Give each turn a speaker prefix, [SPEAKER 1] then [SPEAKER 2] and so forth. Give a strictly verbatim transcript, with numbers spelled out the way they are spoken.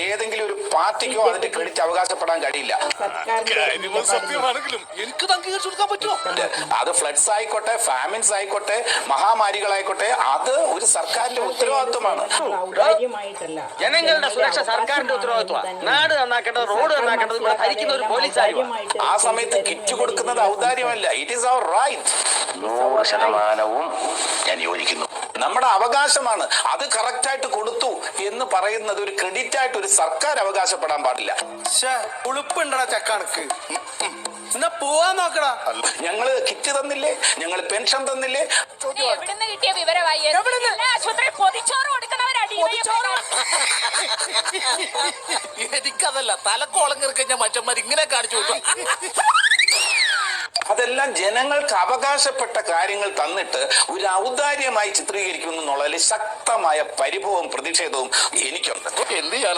[SPEAKER 1] ഏതെങ്കിലും ഒരു പാർട്ടിക്കോ അതിന്റെ ക്രെഡിറ്റ് അവകാശപ്പെടാൻ കഴിയില്ല.
[SPEAKER 2] സത്യമാണെങ്കിലും എനിക്ക് അംഗീകരിച്ചു കൊടുക്കാൻ പറ്റുമോ?
[SPEAKER 1] അത് ഫ്ലഡ്സ് ആയിക്കോട്ടെ, ഫാമിൻസ് ആയിക്കോട്ടെ, മഹാമാരികളായിക്കോട്ടെ, അത് ഒരു സർക്കാരിന്റെ ഉത്തരവാദിത്വമാണ്.
[SPEAKER 3] ജനങ്ങളുടെ സുരക്ഷ സർക്കാരിന്റെ ഉത്തരവാദിത്വമാണ്. നാട് നന്നാക്കേണ്ടത്, റോഡ് നന്നാക്കേണ്ടത് ഇവിടെ ഭരിക്കുന്ന ഒരു പോലീസായി.
[SPEAKER 1] ആ സമയത്ത് കിറ്റ് കൊടുക്കുന്നത് ഔദാര്യമല്ല, ഇറ്റ് ഈസ് അവർ റൈറ്റ്.
[SPEAKER 4] നൂറ് ശതമാനവും ഞാൻ യോജിക്കുന്നു.
[SPEAKER 1] നമ്മുടെ അവകാശമാണ്. അത് കറക്റ്റായിട്ട് കൊടുത്തു എന്ന് പറയുന്നത് ഒരു ക്രെഡിറ്റ് ആയിട്ട് ഒരു സർക്കാർ അവകാശപ്പെടാൻ പാടില്ല.
[SPEAKER 2] ഉളുപ്പുണ്ടടാ ചക്കണക്ക്, എന്നാ പോവാൻ നോക്കടാ.
[SPEAKER 1] ഞങ്ങള് കിറ്റ് തന്നില്ലേ, ഞങ്ങൾ പെൻഷൻ തന്നില്ലേ?
[SPEAKER 5] എവിടുന്ന് കിട്ടിയ വിവരമായി? ആശുപത്രി പൊതിച്ചോറ് കൊടുക്കുന്നവരാണ്.
[SPEAKER 2] എനിക്കതല്ല, തലക്കോളം കയറിക്കഴിഞ്ഞാൽ മറ്റന്മാർ ഇങ്ങനെ കാണിച്ചു കൊടുക്കും.
[SPEAKER 1] അതെല്ലാം ജനങ്ങൾക്ക് അവകാശപ്പെട്ട കാര്യങ്ങൾ തന്നിട്ട് ഒരു ഔദാര്യമായി ചിത്രീകരിക്കുന്നു എന്നുള്ളതിൽ ശക്തമായ പരിഭവവും പ്രതിഷേധവും എനിക്കുണ്ട്.
[SPEAKER 2] എന്ത് ചെയ്യാൻ